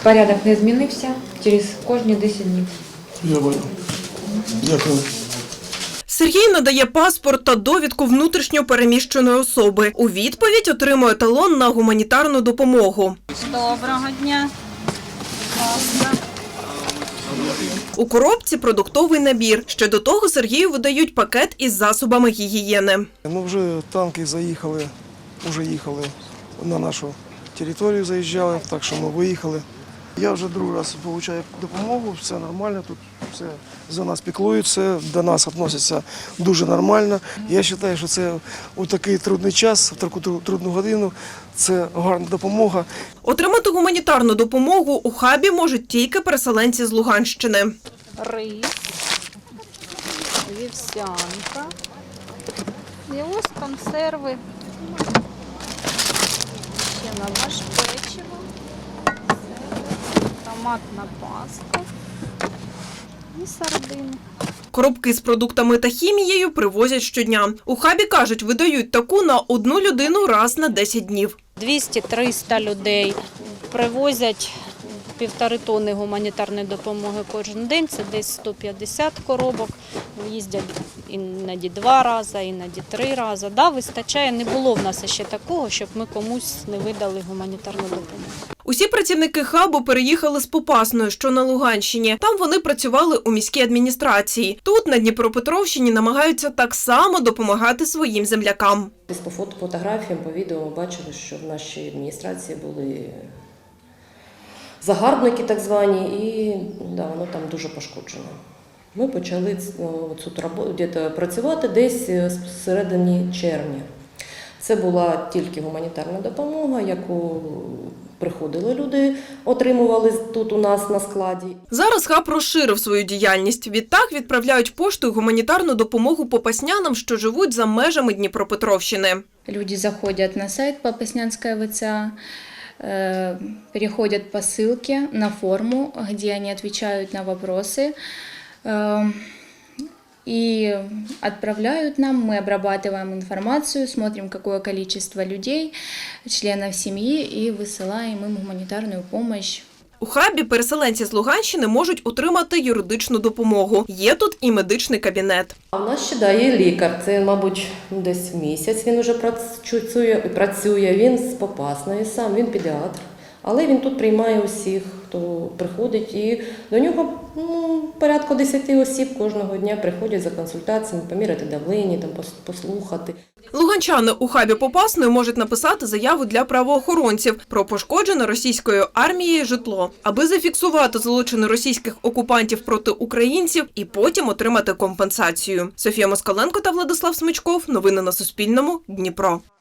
Порядок не змінився через кожні 10 днів. Я понял. Дякую. Сергій надає паспорт та довідку внутрішньо переміщеної особи. У відповідь отримує талон на гуманітарну допомогу. Доброго дня. Класно. У коробці продуктовий набір. Ще до того Сергію видають пакет із засобами гігієни. Ну, вже танки заїхали, вже їхали на нашу територію, заїжджали, так що ми виїхали. Я вже другий раз отримую допомогу, все нормально, тут все за нас піклуються, до нас відносяться дуже нормально. Я вважаю, що це у такий трудний час, в таку трудну годину, це гарна допомога. Отримати гуманітарну допомогу у хабі можуть тільки переселенці з Луганщини. Рис, вівсянка, і ось консерви, ще лаваш, печиво, томатна паста і сардини. Коробки з продуктами та хімією привозять щодня. У хабі, кажуть, видають таку на одну людину раз на 10 днів. 200-300 людей привозять 1,5 тонни гуманітарної допомоги кожен день. Це десь 150 коробок. Їздять іноді 2 рази, іноді 3 рази. Да, вистачає. Не було в нас ще такого, щоб ми комусь не видали гуманітарну допомогу. Усі працівники хабу переїхали з Попасної, що на Луганщині. Там вони працювали у міській адміністрації. Тут, на Дніпропетровщині, намагаються так само допомагати своїм землякам. По фотографіям, по відео ми бачили, що в нашій адміністрації були загарбники так звані, і воно там дуже пошкоджено. Ми почали цю роботу працювати десь з середини червня. Це була тільки гуманітарна допомога, яку приходили люди, отримували тут у нас на складі. Зараз хаб розширив свою діяльність. Відтак відправляють поштою гуманітарну допомогу попаснянам, що живуть за межами Дніпропетровщини. Люди заходят на сайт Попаснянская ВЦА, переходят по ссылке на форму, где они отвечают на вопросы и отправляют нам. Мы обрабатываем информацию, смотрим, какое количество людей, членов семьи, и высылаем им гуманитарную помощь. У хабі переселенці з Луганщини можуть отримати юридичну допомогу. Є тут і медичний кабінет. А в нас ще є лікар. Це, мабуть, десь місяць він вже працює. Він з Попасної сам, він педіатр. Але він тут приймає усіх, хто приходить. І до нього порядку 10 осіб кожного дня приходять за консультаціями, поміряти давлення, там, послухати. Луганчани у хабі Попасної можуть написати заяву для правоохоронців про пошкоджене російською армією житло, аби зафіксувати злочини російських окупантів проти українців і потім отримати компенсацію. Софія Москаленко та Владислав Смичков. Новини на Суспільному. Дніпро.